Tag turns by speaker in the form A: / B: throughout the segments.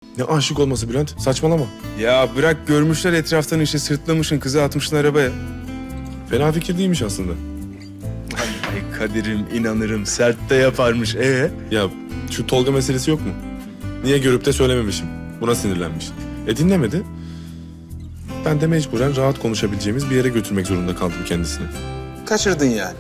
A: Ne aşık olması Bülent? Saçmalama.
B: Ya bırak, görmüşler etraftan işte, sırtlamışsın kızı, atmışsın arabaya.
A: Fena fikir değilmiş aslında.
B: Ay Kadir'im, inanırım, sert de yaparmış.
A: Ya şu Tolga meselesi yok mu? Niye görüp de söylememişim? Buna sinirlenmiş. Dinlemedi. Ben de mecburen rahat konuşabileceğimiz bir yere götürmek zorunda kaldım kendisini.
B: Kaçırdın yani.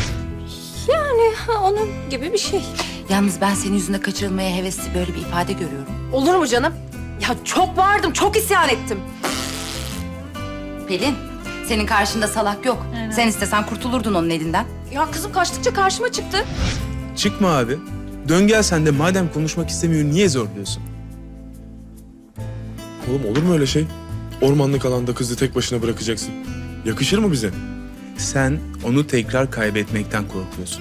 C: Onun gibi bir şey.
D: Yalnız ben senin yüzünde kaçırılmaya hevesli böyle bir ifade görüyorum.
C: Olur mu canım? Ya çok bağırdım, çok isyan ettim.
D: Pelin, senin karşında salak yok. Sen istesen kurtulurdun onun elinden.
C: Ya kızım kaçtıkça karşıma çıktı.
B: Çıkma abi. Dön gel sen de, madem konuşmak istemiyor niye zorluyorsun?
A: Oğlum olur mu öyle şey? Ormanlık alanda kızı tek başına bırakacaksın. Yakışır mı bize?
B: Sen onu tekrar kaybetmekten korkuyorsun.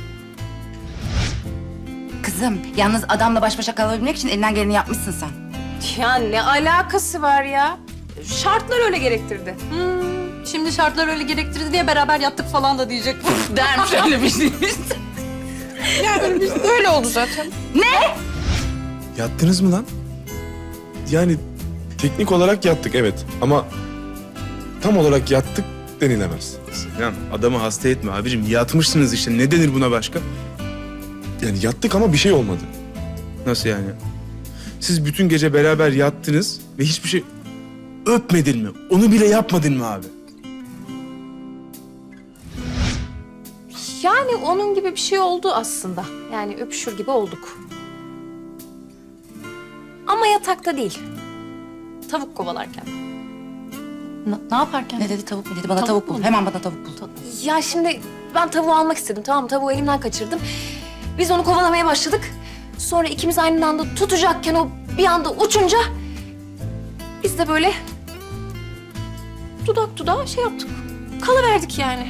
D: Kızım, yalnız adamla baş başa kalabilmek için elinden geleni yapmışsın sen.
C: Ya ne alakası var ya? Şartlar öyle gerektirdi.
E: Şimdi şartlar öyle gerektirdi diye beraber yattık falan da diyecek.
D: Dermiş öyle bir şey.
C: Öyle oldu zaten.
B: Yattınız mı lan?
A: Yani teknik olarak yattık evet ama tam olarak yattık denilemez.
B: Sinan, adamı hasta etme abicim. Yatmışsınız işte. Ne denir buna başka?
A: Yani yattık ama bir şey olmadı.
B: Nasıl yani? Siz bütün gece beraber yattınız ve hiçbir şey öpmedin mi? Onu bile yapmadın mı abi?
C: Yani onun gibi bir şey oldu aslında. Yani öpüşür gibi olduk. Ama yatakta değil. Tavuk kovalarken.
E: Ne yaparken?
D: Ne dedi, tavuk mu dedi? Bana
E: Tavuk
D: tavuk bul.
E: mu?
D: Hemen bana tavuk bul.
C: Ya şimdi ben tavuğu almak istedim, tamam mı? Tavuğu elimden kaçırdım. Biz onu kovalamaya başladık. Sonra ikimiz aynı anda tutacakken o bir anda uçunca... ...biz de böyle dudak dudağa şey yaptık. Kalıverdik yani.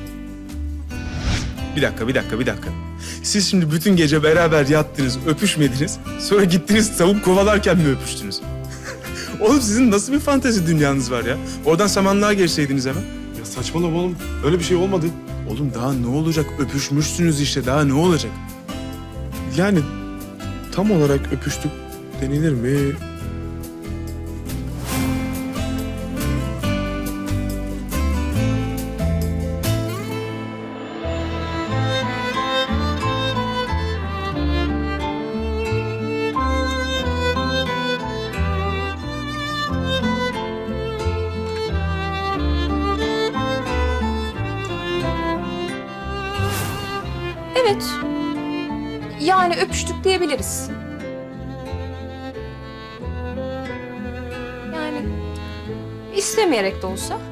B: Bir dakika. Siz şimdi bütün gece beraber yattınız, öpüşmediniz. Sonra gittiniz tavuk kovalarken mi öpüştünüz? Oğlum sizin nasıl bir fantezi dünyanız var ya? Oradan samanlığa geçseydiniz hemen.
A: Ya saçmalama oğlum. Öyle bir şey olmadı.
B: Oğlum daha ne olacak? Öpüşmüşsünüz işte, daha ne olacak?
A: Yani tam olarak öpüştük denilir mi?
C: Evet. Yani öpüştük diyebiliriz. Yani istemeyerek de olsa.